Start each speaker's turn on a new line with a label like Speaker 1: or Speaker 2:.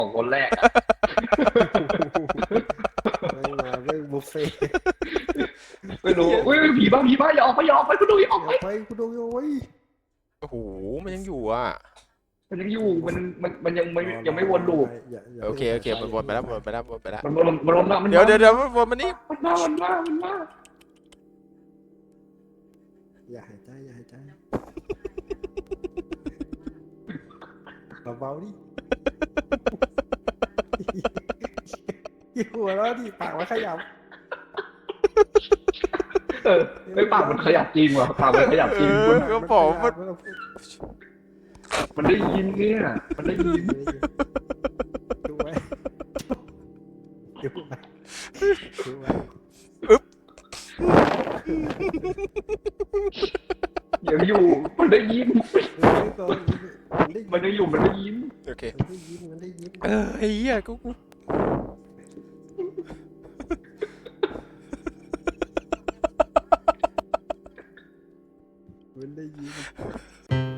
Speaker 1: ของคนแรกอะ
Speaker 2: ไม่มาไม่บุฟเฟ่ต์
Speaker 1: ไม่รู้อุ้ยผีบ้าอย่าออกไปอย่าออกไปคุณดูอย่าออก
Speaker 2: อ
Speaker 1: ไป
Speaker 2: ย่าไปกูดูอยู่ไว้ย
Speaker 3: โอ้โหมันยังอยู่อ่ะ
Speaker 1: มันยังอยู่มันยังไม่วนลูป
Speaker 3: โอเคมันวนไปแล้ววนไปแล้ววนไปแล้ว
Speaker 1: มันวนมามัน
Speaker 3: เดี๋ยววนมานี่
Speaker 1: มันมา
Speaker 2: อย่าหายใจอย่าหายใจเบาๆดิอย่าหัวเราะดิปากมันขยับ
Speaker 1: ไม่ปากมันขยับจริงว่ะปากมันขยับจริง
Speaker 3: ก็บอกว่า
Speaker 1: มันได้ยินเนี่ยมันได้ยิน
Speaker 2: ดูไว้ดูไว้ดูไว้
Speaker 1: ยังอยู่มันได้ยิน
Speaker 2: ก่อน
Speaker 1: มันได้อยู่มันได้ยิน
Speaker 3: โอเค
Speaker 2: มันได้ยิ้ม
Speaker 3: ไอ้เหี้ยกู
Speaker 2: มันได้ยิ้ม